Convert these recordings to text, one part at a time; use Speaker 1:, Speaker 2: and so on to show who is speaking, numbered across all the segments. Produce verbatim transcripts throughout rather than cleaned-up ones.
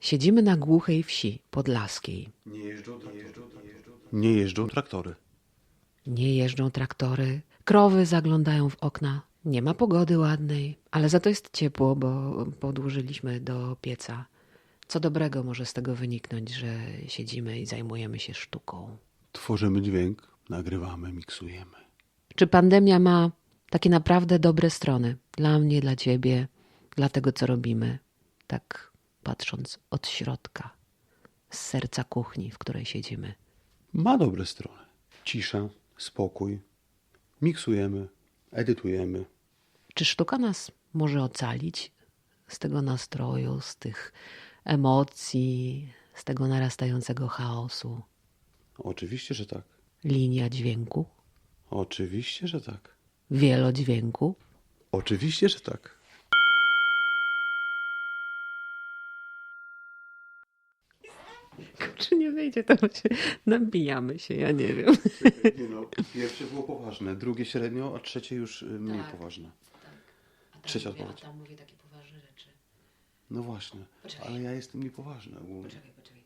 Speaker 1: Siedzimy na głuchej wsi podlaskiej.
Speaker 2: Nie jeżdżą, nie jeżdżą, nie jeżdżą, nie jeżdżą traktory.
Speaker 1: Nie jeżdżą traktory, krowy zaglądają w okna. Nie ma pogody ładnej, ale za to jest ciepło, bo podłożyliśmy do pieca. Co dobrego może z tego wyniknąć, że siedzimy i zajmujemy się sztuką?
Speaker 2: Tworzymy dźwięk, nagrywamy, miksujemy.
Speaker 1: Czy pandemia ma takie naprawdę dobre strony? Dla mnie, dla ciebie, dla tego, co robimy. Tak patrząc od środka, z serca kuchni, w której siedzimy.
Speaker 2: Ma dobre strony. Cisza, spokój. Miksujemy, edytujemy.
Speaker 1: Czy sztuka nas może ocalić z tego nastroju, z tych emocji, z tego narastającego chaosu?
Speaker 2: Oczywiście, że tak.
Speaker 1: Linia dźwięku,
Speaker 2: Oczywiście, że tak.
Speaker 1: wielodźwięku.
Speaker 2: Oczywiście, że tak.
Speaker 1: Czy nie wyjdzie, to się nabijamy się, ja nie wiem.
Speaker 2: Nie no, pierwsze było poważne, drugie średnio, a trzecie już y, mniej
Speaker 1: Tak.
Speaker 2: poważne.
Speaker 1: A tam
Speaker 2: Trzecia
Speaker 1: mówię, a
Speaker 2: odpowiedź.
Speaker 1: tam mówię takie poważne rzeczy.
Speaker 2: No właśnie,
Speaker 1: Poczekaj.
Speaker 2: ale ja jestem niepoważny ogólnie.
Speaker 1: Poczekaj, poczekaj.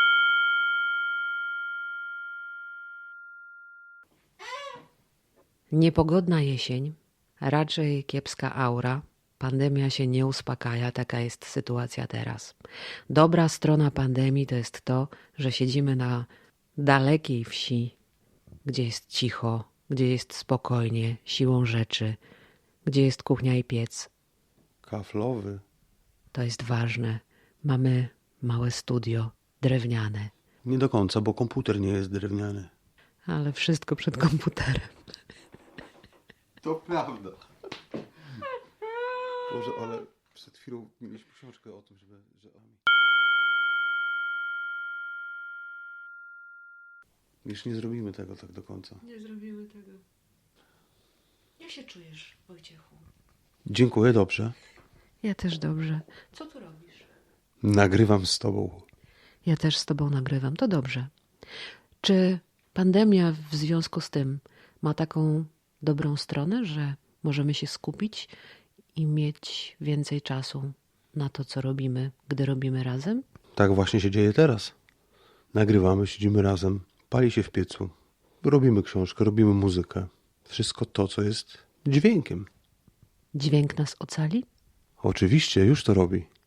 Speaker 1: Niepogodna jesień, raczej kiepska aura. Pandemia się nie uspokaja, taka jest sytuacja teraz. Dobra strona pandemii to jest to, że siedzimy na dalekiej wsi, gdzie jest cicho, gdzie jest spokojnie, siłą rzeczy, gdzie jest kuchnia i piec.
Speaker 2: Kaflowy.
Speaker 1: To jest ważne. Mamy małe studio, drewniane,
Speaker 2: Nie do końca, bo komputer nie jest drewniany.
Speaker 1: ale wszystko przed komputerem.
Speaker 2: To prawda. Boże, ale przed chwilą mieliśmy książkę o tym, żeby... Że... Już nie zrobimy tego tak do końca.
Speaker 1: Nie zrobimy tego. Jak się czujesz, Wojciechu?
Speaker 2: Dziękuję, dobrze.
Speaker 1: Ja też dobrze. Co tu robisz?
Speaker 2: Nagrywam z tobą.
Speaker 1: Ja też z tobą nagrywam. To dobrze. Czy pandemia w związku z tym ma taką dobrą stronę, że możemy się skupić i mieć więcej czasu na to, co robimy, gdy robimy razem?
Speaker 2: Tak właśnie się dzieje teraz. Nagrywamy, siedzimy razem, pali się w piecu, robimy książkę, robimy muzykę. Wszystko to, co jest dźwiękiem.
Speaker 1: Dźwięk nas ocali?
Speaker 2: Oczywiście, już to robi.